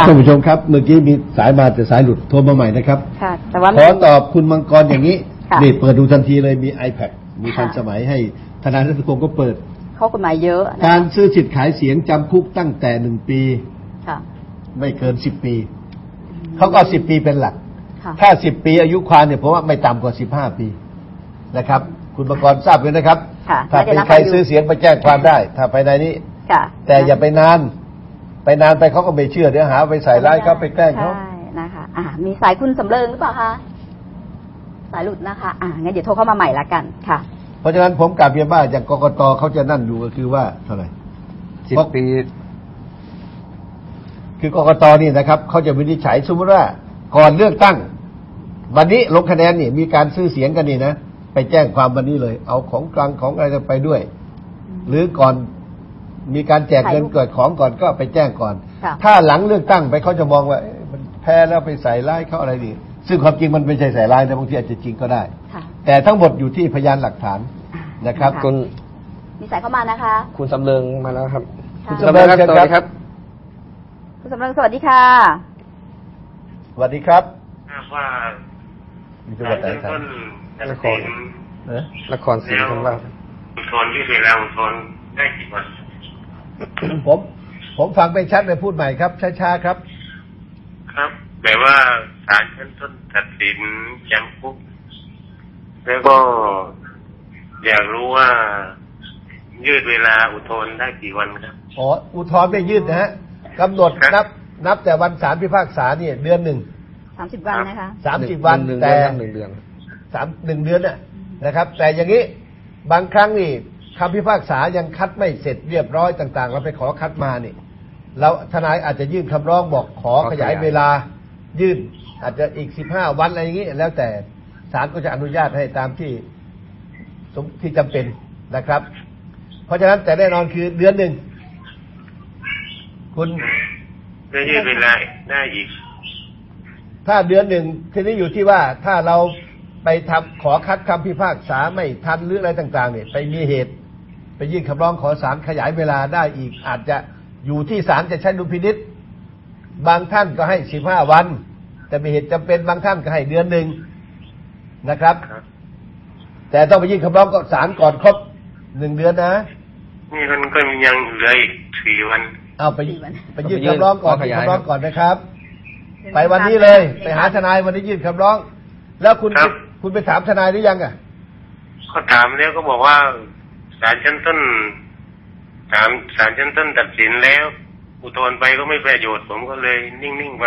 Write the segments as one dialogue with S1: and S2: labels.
S1: ท่านผู้ชมครับเมื่อกี้มีสายมาแต่สายหลุดโทรมาใหม่นะครับ
S2: ค่ะแต่ว่า
S1: ขอตอบคุณมังกรอย่างนี้นี่เปิดดูทันทีเลยมี iPad มีทันสมัยให้ทนายรัชพงศ์ก็เปิด
S2: ข้อกฎหมายเยอะ
S1: การซื้อสิทธิ์ขายเสียงจำคุกตั้งแต่1 ปีไม่เกิน10 ปีเขาก็10 ปีเป็นหลักถ้า10 ปีอายุความเนี่ยผมว่าไม่ต่ำกว่า15 ปีนะครับคุณมังกรทราบเลยนะครับถ้าเป็นใครซื้อเสียงไปแจ้งความได้ถ้าภายในนี้แต่อย่าไปนานไปเขาก็ไม่เชื่อเดี๋ยวหาไปใส่ร้ายเขาไปแกล้งเขา
S2: ใช่นะคะมีสายคุณสำเริงหรือเปล่าคะสายหลุดนะคะงั้นเดี๋ยวโทรเข้ามาใหม่ละกันค่ะ
S1: เพราะฉะนั้นผมกลับเรียนว่าอย่างกกตเขาจะนั่นอยู่ก็คือว่าเท่าไหร่
S3: 10 ปี
S1: คือกกตนี่นะครับเขาจะวินิจฉัยสมมติว่าก่อนเลือกตั้งวันนี้ลงคะแนนนี่มีการซื้อเสียงกันนี่นะไปแจ้งความวันนี้เลยเอาของกลางของอะไรไปด้วยหรือก่อนมีการแจกเงินเกิดของก่อนก็ไปแจ้งก่อนถ้าหลังเลือกตั้งไปเขาจะมองว่ามันแพ้แล้วไปใส่ร้ายเขาอะไรดีซึ่งความจริงมันไม่ใช่ใส่ร้ายนะบางทีอาจจะจริงก็ได้แต่ทั้งหมดอยู่ที่พยานหลักฐานนะครับ
S2: คุณมีสายเข้ามานะคะ
S3: คุณสำเริงมาแล้วครับ
S1: คุณสำเริงสวัสดีครับ
S2: คุณสำเริงสวัสดีค่ะ
S1: สวัสดีครับ
S4: ว่า
S1: มีจังหวัดไหนครับ
S3: นครศรีธรรมราช
S4: อุทธรณ์ที่เวลาอุทธรณ์ได้กี่วัน
S1: ผมฟังไม่ชัดเลยพูดใหม่ครับช้าๆครับ
S4: ครับแบบว่าศาลชั้นต้นตัดสินจำคุกแล้วก็อยากรู้ว่ายืดเวลาอุทธรณ์ได้กี่วันครับ
S1: อุทธรณ์ไม่ยืดนะฮะกำหนดนับแต่วันศาลพิพากษาเนี่ยเดือนหนึ่ง
S2: 30 วันนะคะ
S1: 30 วันแต่
S3: 1 เดือน
S1: 1 เดือนนะครับแต่อย่างนี้บางครั้งนี่คำพิพากษายังคัดไม่เสร็จเรียบร้อยต่างๆเราไปขอคัดมานี่แล้วทนายอาจจะยื่นคำร้องบอกขอขยายเวลายื่นอาจจะอีก15 วันอะไรอย่างนี้แล้วแต่ศาลก็จะอนุญาตให้ตามที่จำเป็นนะครับเพราะฉะนั้นแต่แน่นอนคือเดือนหนึ่งคุณ
S4: ได้ยืดเวลาได้อีก
S1: ถ้าเดือนหนึ่งทีนี้อยู่ที่ว่าถ้าเราไปขอคัดคำพิพากษาไม่ทันหรืออะไรต่างๆเนี่ยไปมีเหตุไปยื่นคำร้องขอศาลขยายเวลาได้อีกอาจจะอยู่ที่ศาลจะใช้ดุลพินิจบางท่านก็ให้15 วันแต่มีเหตุจำเป็นบางท่านก็ให้เดือนหนึ่งนะครับแต่ต้องไปยื่นคำร้องกับศาลก่อนครบ1 เดือนนะ
S4: นี่มันก็ยังเหลืออีก4 วัน
S1: เอาไปยื่นคำร้องก่อนนะครับไปวันนี้เลยไปหาทนายวันนี้ยื่นคำร้องแล้วคุณไปถามทนายหรือยัง
S4: ก็ถามแล้วก็บอกว่าศาลชั้นต้นตัดสินแล้วอุทธรณ์ไปก็ไม่ประโยชน์ผมก็เลยนิ่งๆไป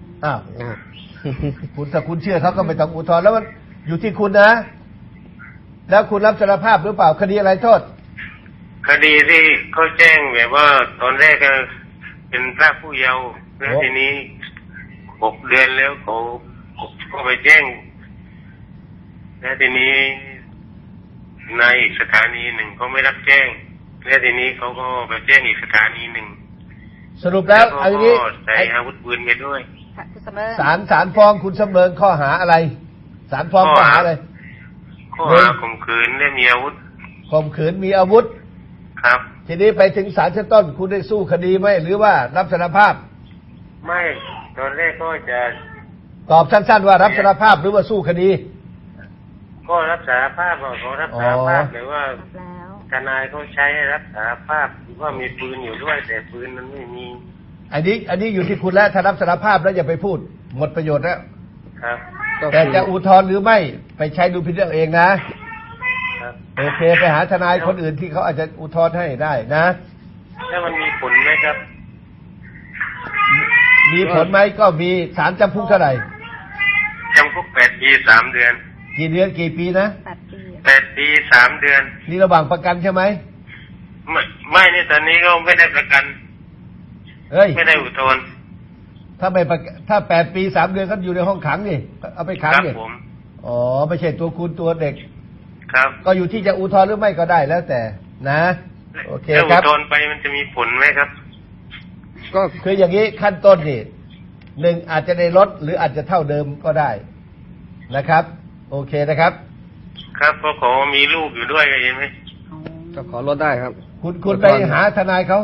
S1: ถ้าคุณเชื่อเขาก็ไม่ต้องอุทธรณ์แล้วมันอยู่ที่คุณนะแล้วคุณรับสารภาพหรือเปล่าคดีอะไรโทษ
S4: คดีที่เขาแจ้งแบบว่าตอนแรกก็เป็นพรากผู้เยาว์แล้วทีนี้6 เดือนแล้วเขาก็ไปแจ้งแล้วทีนี้ในอีกสถานีหนึ่งเขาไม่รับแจ้งแล้วทีนี้เขาก็ไปแจ้งอีกสถานีหนึ่ง
S1: สรุปแล้วอันนี้
S4: ใส่อาวุธปืนไปด้วย
S1: ศาลฟ้องคุณสำเริงข้อหาอะไรศาลฟ้องข้อหาอะไร
S4: ข้อหาข่มขืนและมีอาวุธ
S1: ข่มขืนมีอาวุธ
S4: ครับ
S1: ทีนี้ไปถึงศาลชั้นต้นคุณได้สู้คดีไหมหรือว่ารับสารภาพ
S4: ไม่ตอนแรกก็จะ
S1: ตอบสั้นๆว่ารับสารภาพหรือว่าสู้คดี
S4: ก็รับสารภาพเขารับสารภาพหรือว่าทนายเขาใช้รับสารภาพว่ามีปืนอยู่ด้วยแต่ปืนมันไม่มี
S1: อันนี้อยู่ที่คุณแล้วถ้ารับสารภาพแล้วอย่าไปพูดหมดประโยชน์แล้ว
S4: ครับ
S1: แต่จะอุทธรณ์หรือไม่ไปใช้ดูพิจารณาเองนะโอเคไปหาทนายคนอื่นที่เขาอาจจะอุทธรณ์ให้ได้นะ
S4: แล้วมันมีผลไหมครับ
S1: มีผลไหมก็มีศาลจำคุกเท่าไหร่
S4: จำคุก8 ปี 3 เดือน
S1: กี่เดือนกี่ปีนะ
S4: 8 ปี 3 เดือน
S1: นี่ระหว่างประกันใช่ไหม
S4: ไม่นี่ตอนนี้ก็ไม่ได้ประกันไม่ได้อุทธรณ์
S1: ถ้า8 ปี 3 เดือนก็อยู่ในห้องขังนี่เอาไปขังนี่อ๋อไม่ใช่ตัวคุณตัวเด็ก
S4: ครับ
S1: ก็อยู่ที่จะอุทธรณ์หรือไม่ก็ได้แล้วแต่นะโอเค
S4: ครับอุทธรณ์ไปมันจะมีผลไหมครับ
S1: ก็คืออย่างนี้ขั้นต้นนี่1อาจจะได้ลดหรืออาจจะเท่าเดิมก็ได้นะครับโอเคนะครับ
S4: ครับเพราะขอมีลูกอยู่ด้วยเห็นไหม
S3: ก็ขอลดได้ครับ
S1: คุณไปหาทนายเขา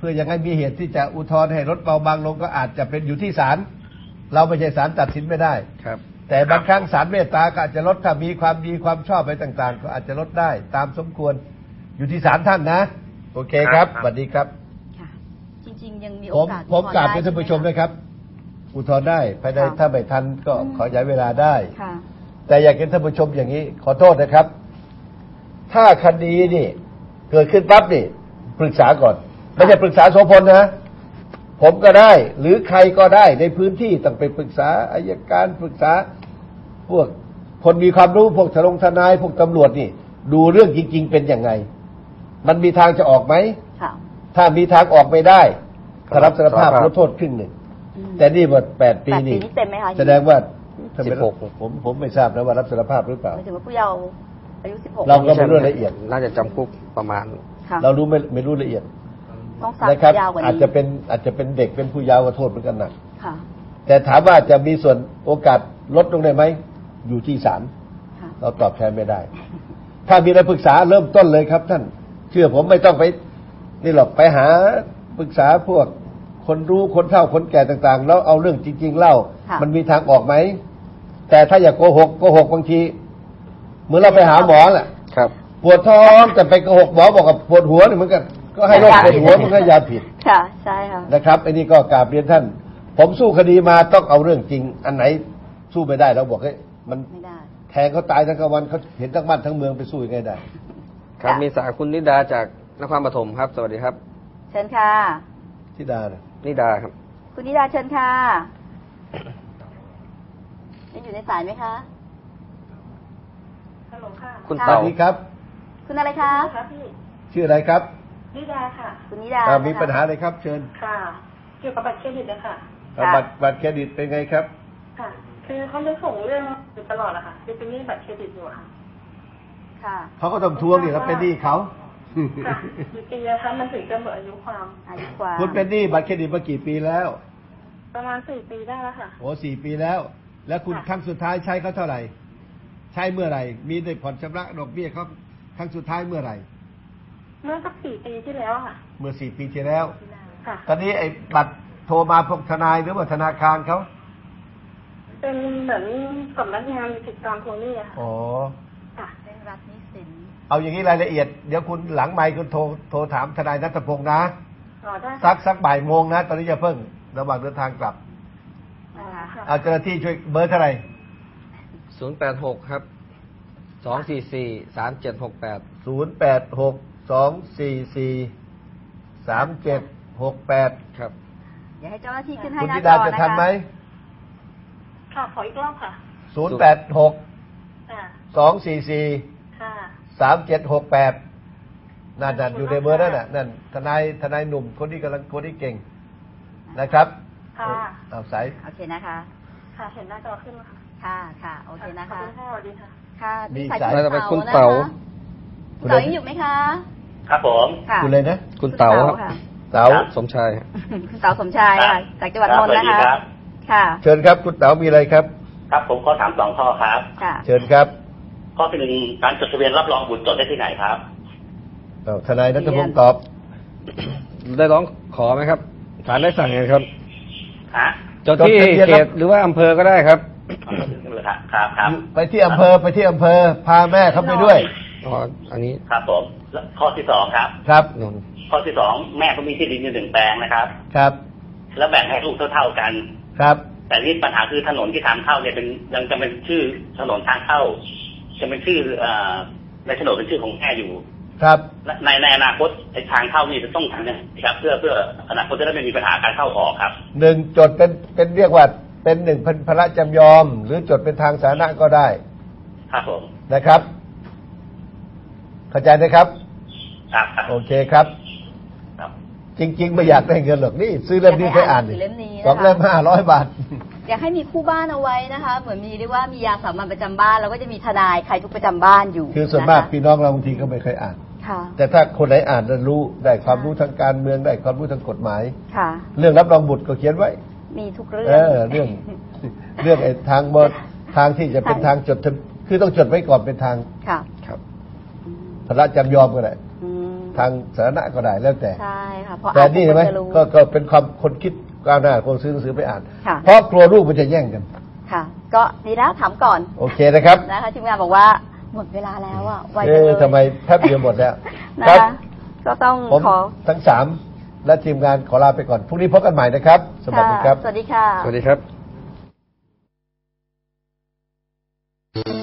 S1: พื่อยังให้มีเหตุที่จะอุทธรณ์ให้ลดเบาบางลงก็อาจจะเป็นอยู่ที่ศาลเราไม่ใช่ศาลตัดสินไม่ได้
S3: ครับ
S1: แต่บางครั้งศาลเมตตาก็อาจจะลดถ้ามีความดีความชอบอะไรต่างๆ ก็อาจจะลดได้ตามสมควรอยู่ที่ศาลท่านนะโอเคครับสวัสดีครับ
S2: ค่ะ จริงๆยังมี
S1: ผ
S2: โอ
S1: ม
S2: กาส
S1: ผมกราบ
S2: อุ
S1: เรีย
S2: ท
S1: น
S2: ธ
S1: ท่านผู้ชม
S2: ใไห
S1: นะครับ อุทธรณ์ได้ภายในถ้าไม่ทันก็ขอย้ายเวลาได้
S2: ค่ะ
S1: แต่อยากเห็นท่านผู้ชมอย่างนี้ ขอโทษนะครับ ถ้าคดีนี่เกิดขึ้นปั๊บนี่ปรึกษาก่อนไม่ใช่ปรึกษาโสพลนะ ผมก็ได้ หรือใครก็ได้ในพื้นที่ต้องไปปรึกษาอัยการปรึกษาพวกคนมีความรู้พวกทนายพวกตำรวจนี่ ดูเรื่องจริง ๆ เป็นยังไง มันมีทางจะออกไหม
S2: ค่ะ
S1: ถ้ามีทางออกไม่ได้ถ้ารับสารภาพ
S3: สารภาพ
S1: ลดโทษครึ่งหนึ่ง
S2: อืม
S1: แต่นี่หมด8 ปี
S2: 8
S1: นี่
S2: ปีนี่เต็มไหมคะ
S1: แสดงว่าทำไม
S3: 16
S1: ผมไม่ทราบนะว่ารับสารภาพหรือเปล่า
S2: หมายถึงว่าผู้เยาว์อายุ 16
S1: เราก็ไม่รู้รายละเอียด
S3: น่าจะจำคุกประมาณ
S2: ค่ะ
S1: เรารู้ไม่รู้ละเอียด
S2: ต้องซัก
S1: นะครับ
S2: ยาวกว่านี้
S1: อาจจะเป็นเด็กเป็นผู้เยาว์ก็โทษเหมือนกันหนัก
S2: ค่ะ
S1: แต่ถามว่าจะมีส่วนโอกาสลดลงได้ไหมอยู่ที่ศาล
S2: ค่ะ
S1: เราตอบแทนไม่ได้ ถ้ามีอะไรปรึกษาเริ่มต้นเลยครับ ท่านเชื่อผมไม่ต้องไปนี่หรอกไปหาปรึกษาพวกคนรู้คนเฒ่าคนแก่ต่างๆ แล้วเอาเรื่องจริง ๆ เล่า
S2: ค่ะ
S1: มันมีทางออกไหมแต่ถ้าอย่าโกหกบางทีเหมือนเราไปหาหมอแหละ
S3: ครับ
S1: ปวดท้องแต่ไปโกหกหมอบอกกับปวดหัวนี่เหมือนกันก็ให้โรคปวดหัวมันก็ยาผิด
S2: ค่ะ ใช่ค่ะ
S1: นะครับไอ้นี่ก็กราบเรียนท่าน ผมสู้คดีมาต้องเอาเรื่องจริง อันไหนสู้ไม่ได้เราบอกให้มัน
S2: ไม่ได้
S1: แทงเขาตายทั้งกลางวันเขาเห็นทั้งบ้านทั้งเมืองไปสู้ยังไงได้
S3: ครับ
S2: ค่ะ
S3: มีสายคุณนิดาจากนครปฐมครับ สวัสดีครับ
S2: เชิญค่ะ
S1: ที่ดานะ
S3: นิดาครับ
S2: คุณนิดาเชิญค่ะยังอยู่ในสายไหมคะ
S5: ฮัลโหลค่ะ
S3: คุณ
S1: สวั
S3: เต่า
S1: สดีครับ
S2: คุณอะไรคะ
S5: ค่ะพี่
S1: ชื่ออะไรครับ
S5: นิดาค่ะ
S2: คุณนิดา
S1: มี
S2: นะคะ
S1: ปัญหาอะไรครับ เชิญ
S5: ค่ะ เกี่ยวกับบัตรเครดิตนะคะ
S2: ค่ะ
S1: บัตรเครดิตเป็นไงครับ
S5: ค่ะ คือเขาจะส่งเรื่องอยู่ตลอดอะค่ะคือเป็นหนี้บัตรเครดิตอยู่อะค่ะ
S2: ค่ะ
S1: เขาก็ต้องทวงนี่เราเป็นหนี้เขา
S5: ค่ะกี่ปีแล้วคะมันถึงจะหมดอายุความ
S2: อายุความ
S1: คุณเป็นหนี้บัตรเครดิตมากี่ปีแล้ว
S5: ประมาณ4 ปีได้แล้วค่ะ
S1: โอ้4 ปีแล้ว แล้วคุณ
S5: ค่ะ
S1: ครั้งสุดท้ายใช้เขาเท่าไหร่ ใช้เมื่อไหร่ มีได้ผ่อนชำระดอกเบี้ยเขาครั้งสุดท้ายเมื่อไหร่
S5: เมื่อสัก4 ปีที่แล้วอะค่ะ
S1: เมื่อ4 ปีที่แล้ว
S5: ค่ะ
S1: ตอนนี้ไอ้บัตรโทรมาพวกทนายหรือว่าธนาคารเขา
S5: เป็นเหมือนสำนักงานติดตามทวงหนี้อะค่ะ
S1: อ๋อ
S5: ค่ะ
S2: เร่งรัดหนี้สิน
S1: เอาอย่างนี้รายละเอียด เดี๋ยวคุณหลังไมค์คุณโทรถามทนายนัทพงษ์นะ
S5: อ๋อได้ค่ะ
S1: สักบ่ายโมงนะ ตอนนี้จะเพิ่งระหว่างเดินทางกลับ
S5: อ๋อค่ะ
S1: เอาเจ้าหน้าที่ช่วยเบอร์เท่าไหร่
S3: 086 ครับ 244 3768
S1: 086-244-3768
S3: ครับ
S2: เดี๋ยวให้เจ้าหน้าที่ขึ้นให้
S1: คุณ
S2: หน้า
S1: ธิ
S2: จ
S1: ดา
S2: อ
S1: จะ
S2: นะ
S1: ทัน
S2: คะ
S1: ไหม
S5: ค่ะขออีกรอบค่ะ
S1: 086
S5: ค่ะ
S1: 244
S5: ค่ะ
S1: 3768นั่นอยู่ในเบอร์นั่นน่ะนั่นทนายหนุ่มคนที่เก่งนะครับ
S5: ค่ะ
S1: เอาสาย
S2: โอเคนะคะ
S5: ค่ะ เห็นหน้าจอขึ้นแล้วค่ะ
S2: ค่ะ ค่ะ โอเคนะ
S5: ขอบ
S2: คะ
S5: คุณค่ะสวัสดีค่ะ
S2: ค่ะ
S1: มี
S2: สาย
S1: สาย
S3: น่าจะเป็นคุณ
S2: นะคะ
S3: เต๋า
S2: คุณเต๋ายังอยู่ไหมคะ
S4: ครับผม
S2: ค่ะ
S1: คุณเลยนะ
S3: คุณเต๋าครับ
S2: ค่ะ
S1: เต๋า
S3: สมชายครับ
S2: คุณเต๋าสมชายค่ะ จากจังหวัดนนท์นะ
S4: สวัสดี
S2: คะ
S4: ครับ
S2: ค่ะ
S1: เชิญครับคุณเต๋ามีอะไรครับ
S4: ครับผมขอถาม2 ข้อครับ
S2: ค่ะ
S1: เชิญครับ
S4: ข้อที่ 1การจดทะเบียนรับรองบุตรจดได้ที่ไหนครับ
S1: เอาทนายนัทพงศ์ตอบ
S3: ได้ร้องขอไหมครับศาลได้สั่งไงครับ
S4: ฮะ
S3: จดที่เขตหรือว่าอำเภอก็ได้ครับ
S4: ครับ
S1: ไปที่อำเภอพาแม่เขาไปด้วย
S3: อ๋อ อันนี้
S4: ครับผมแล้วข้อที่ 2ครับ
S1: ครับ
S3: นนท์
S4: ข้อที่ 2แม่เขามีที่ดินอยู่1 แปลงนะครับ
S1: ครับ
S4: แล้วแบ่งให้ลูกเท่าๆกัน
S1: ครับ
S4: แต่นี่ปัญหาคือถนนที่ทางเข้าเนี่ยเป็นยังจะเป็นชื่อถนนทางเข้า จะเป็นชื่อในโฉนดเป็นชื่อของแม่อยู่
S1: ครับ
S4: และในอนาคตไอ้ทางเข้านี่จะต้องทำยังไงครับ เพื่ออนาคตจะได้ไม่มีปัญหาการเข้าออกครับ
S1: 1 จดเป็นเรียกว่าเป็น1พระจำยอม หรือจดเป็นทางสาธารณะก็ได้
S4: ครับผม
S1: นะครับ เข้าใจนะครับ
S4: ครับ
S1: โอเคครับ
S4: ครับ
S1: จริง ๆ ไม่อยากได้เงินหรอกนี่ซื้อเล่มนี้ไปอ่าน
S2: ซื้อเล่มนี้นะคะ
S1: 2 เล่ม500 บาท
S2: อยากให้มีคู่บ้านเอาไว้นะคะ เหมือนมีเรียกว่ามียาสามัญประจำบ้านแล้วก็จะมีทนายใครทุกประจำบ้านอยู่
S1: คือส่วนมาก
S2: ะคะ
S1: พี่น้องเราบางทีก็ไม่เคยอ่าน
S2: ค่ะ
S1: แต่ถ้าคนไหนอ่านแล้วรู้ได้ความรู้ทางการเมืองได้ความรู้ทางกฎหมาย
S2: ค่ะ
S1: เรื่องรับรองบุตรก็เขียนไว้
S2: มีทุกเรื่อง
S1: เรื่องไอ้ทางที่จะเป็นทางจดทะคือต้องจดไว้ก่อนเป็นทาง
S2: ค่ะ
S3: ครับ
S2: อืม
S1: พระจำยอมก็ได้
S2: อืม
S1: ทางสาธารณะก็ได้แล้วแต่
S2: ใช่ค่ะเพราะ
S1: แต่นี่เห็นไหม
S2: จะรู้
S1: ก็เป็นความคนคิดก้าวหน้าคนซื้อหนังสือไปอ่าน
S2: ค่ะ
S1: เพราะกลัวลูกมันจะแย่งกัน
S2: ค่ะ ก็ดีแล้วถามก่อน
S1: โอเคนะครับ
S2: นะคะทีมงานบอกว่าหมดเวลาแล้วอ่ะไวจังเลย
S1: ทำไมแป๊บเดียวหมดแล้ว
S2: นะ
S1: ครั
S2: คะก็ต้อง
S1: ผม
S2: ขอ
S1: ทั้งสามและทีมงานขอลาไปก่อนพรุ่งนี้พบกันใหม่นะครับ สวัสดีครับ
S2: สวัสดีค่ะ
S3: สวัสดีครับ